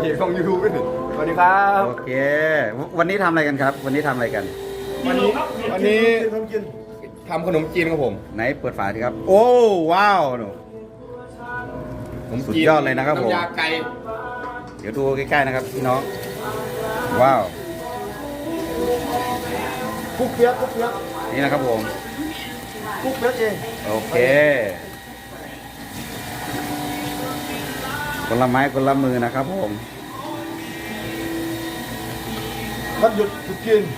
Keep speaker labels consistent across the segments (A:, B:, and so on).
A: จของยูทูบด้วยสวัสดีครับ
B: โอเค วันนี้ทำอะไรกันครับ วันนี้ทำอะไรกัน
A: วันนี้ทำขนมจีนครับผม
B: ไหนเปิดฝาสิครับ โอ้ว้าวหนู สุดยอดเลยนะครับผม
A: น้ำยาไก่
B: เดี๋ยวดูใกล้ๆนะครับพี่น้อง ว้าว
C: คุกเปียกคุกเปียก
B: นี่นะครับผม
C: คุกเปียกเอง
B: โอเคคนละไม้คนละมือนะครับผม
C: วันหยุดตรุษจีน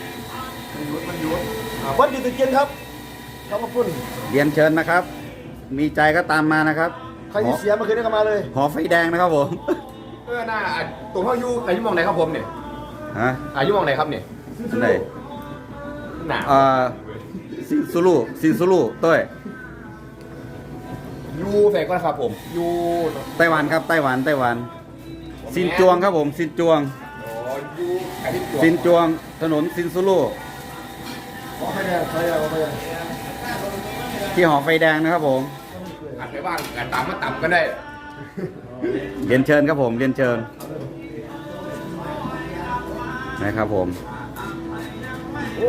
C: วันหยุดตรุษจีนครับขอบคุณ
B: เรียนเชิญนะครับ มีใจก็ตามมานะครับ
C: ใครที่เสียเมื่อคืนนี้ก็มาเลย
B: หอไฟแดงนะครับผม
A: หน้าตัวพ่อยูอายุมองไหนครับผมเนี่ย
B: ฮะ
A: อายุมองไหนครับเนี่ย
B: อันไหน
A: หนา
B: ซินซูลูเต้ย
A: ยูแฟนก็นะครับผมยู
B: ไต้หวันครับไต้หวันซินจวงครับผมซินจวง
A: อ๋อยูอาทิตย์
B: ซินจวงถนนซินซูลู
C: ขอไฟแดงใครเอาไฟแดง
B: ที่หอไฟแดงนะครับผม
A: อาจไปบ้างอาจตามมาต่ำก็ได้
B: เรียนเชิญครับผมเรียนเชิญนะครับผม
A: โอ้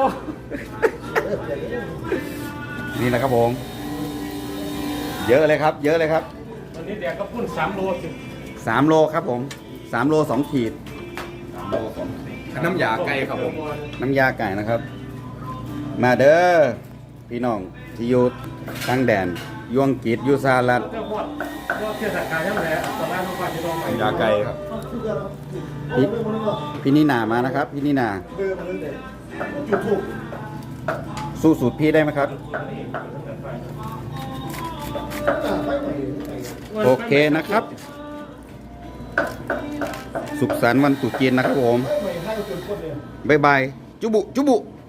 B: นี่แหละครับผม เยอะเลยครับ เยอะเลยครับ
D: วันนี้แดกก็พุ่น3 โลสิ
B: 3 โลครับผม3 โล 2 ขีด
A: น้ำยาไก่ครับผม
B: น้ำยาไก่นะครับ มาเด้อพี่น้องที่อยู่ทางแดนยวงกีดยูซาลัด
D: เจ้าพอดก็เทศกาลยังไงตอนแรกต้องการจะต้องไป
A: น้ำยาไก่ครับ
B: พี่นินามานะครับ พี่นินา
C: เบอร์มันเลยจุดถูก
B: สู้สูตรพี่ได้ไหมครับ โอเคนะครับ สุขสันต์วันตรุษจีนนะครับผม
C: ไม่ให้จุดคนเลย
B: บ๊ายบาย จุบุ